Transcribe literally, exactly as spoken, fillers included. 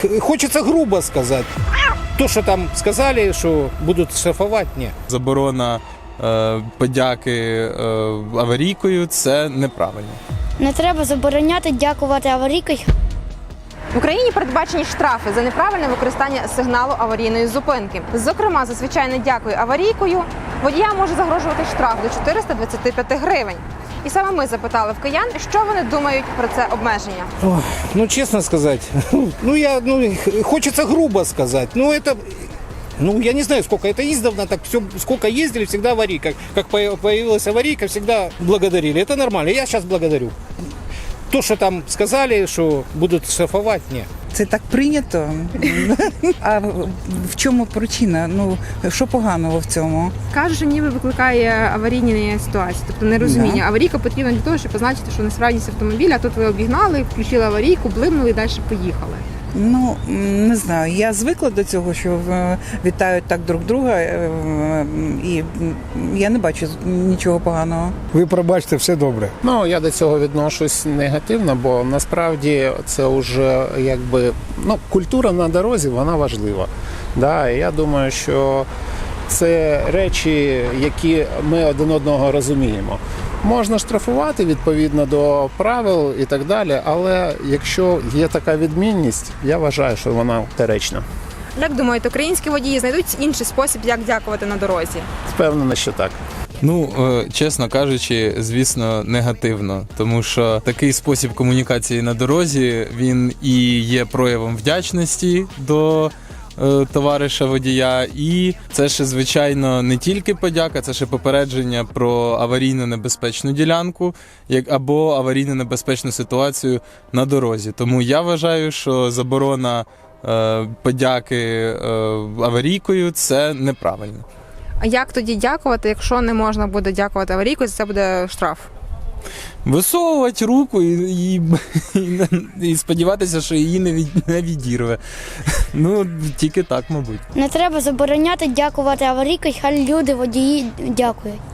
Хочется грубо сказать. То, что там сказали, что будут штрафовать, ні. Заборона е, подяки е, аварійкою – це неправильно. Не треба забороняти дякувати аварійкою. В Україні передбачені штрафи за неправильне використання сигналу аварійної зупинки. Зокрема, за звичайне дякую аварійкою водіям може загрожувати штраф до чотириста двадцяти п'яти гривень. І саме ми запитали в киян, що вони думають про це обмеження. Ой, ну, честно сказать, ну, я, ну, хочется грубо сказать, ну, это, ну, я не знаю, сколько это издавна, так все, сколько ездили, всегда аварийка. Как появилась аварийка, всегда благодарили. Это нормально, я сейчас благодарю. То, что там сказали, что будут штрафовать, ні. Це так прийнято. А в чому причина? Ну, що поганого в цьому? Кажуть, що ніби викликає аварійні ситуації, тобто нерозуміння. Да. Аварійка потрібна для того, щоб позначити, що несправність автомобіля, а тут ви обігнали, включили аварійку, блимнули і далі поїхали. Ну, не знаю, я звикла до цього, що е, вітають так друг друга, е, і я не бачу нічого поганого. Ви пробачте, все добре. Ну, я до цього відношусь негативно, бо насправді це вже якби ну, культура на дорозі, вона важлива. Да, і я думаю, що це речі, які ми один одного розуміємо. Можна штрафувати відповідно до правил і так далі, але якщо є така відмінність, я вважаю, що вона доречна. Як думаєте, українські водії знайдуть інший спосіб, як дякувати на дорозі? Впевнений, що так. Ну, е, чесно кажучи, звісно, негативно, тому що такий спосіб комунікації на дорозі, він і є проявом вдячності до е, товариша водія, і це ще, звичайно, не тільки подяка, це ще попередження про аварійно небезпечну ділянку як, або аварійно небезпечну ситуацію на дорозі. Тому я вважаю, що заборона е, подяки е, аварійкою – це неправильно. А як тоді дякувати, якщо не можна буде дякувати аварійкою, це буде штраф? Висовувати руку і, і, і, і сподіватися, що її не, від, не відірве. Ну, тільки так, мабуть. Не треба забороняти дякувати аварійкою, хай люди водії дякують.